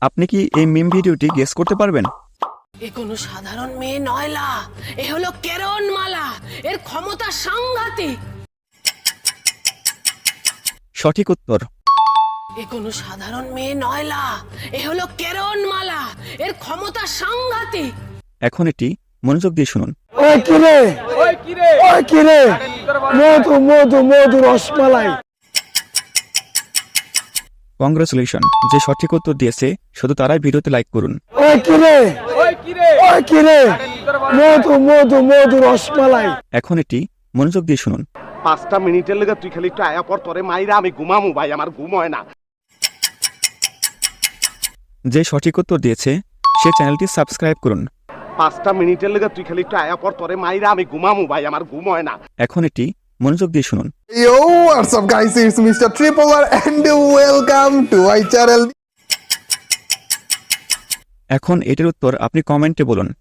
আপনি কি এই মিম ভিডিওটি গেস করতে পারবেন? এ কোনো সাধারণ মেয়ে নয়লা, এ হলো কেরণমালা। এর ক্ষমতা সাংঘাতিক। সঠিক উত্তর। এ কোনো সাধারণ মেয়ে নয়লা, এ হলো কেরণমালা। এর ক্ষমতা সাংঘাতিক। এখন এটি মনোযোগ দিয়ে শুনুন। ওই কিরে ওই কিরে মধু মধু মধু রসমালাই। কংগ্রেচুলেশন, যে সঠিক উত্তর দিয়েছে শুধু তারাই ভিডিওতে লাইক করুন। ওই কিরে ওই কিরে মধু মধু মধু রসমালাই। এখন এটি মনোযোগ দিয়ে শুনুন। 5টা মিনিটের লেগে তুই খালি একটু আয়া পর তোরে মাইরা আমি ঘুমামু ভাই, আমার ঘুম হয় না। যে সঠিক উত্তর দিয়েছে সে চ্যানেলটি সাবস্ক্রাইব করুন। 5টা মিনিটের লেগে তুই খালি একটু আয়া পর তোরে মাইরা আমি ঘুমামু ভাই, আমার ঘুম হয় না। এখন এটি মনোযোগ দিয়ে শুনুন। Yo, what's up guys, it's Mr. Tripolar and welcome to my channel. এখন এটির উত্তর আপনি কমেন্টে বলুন।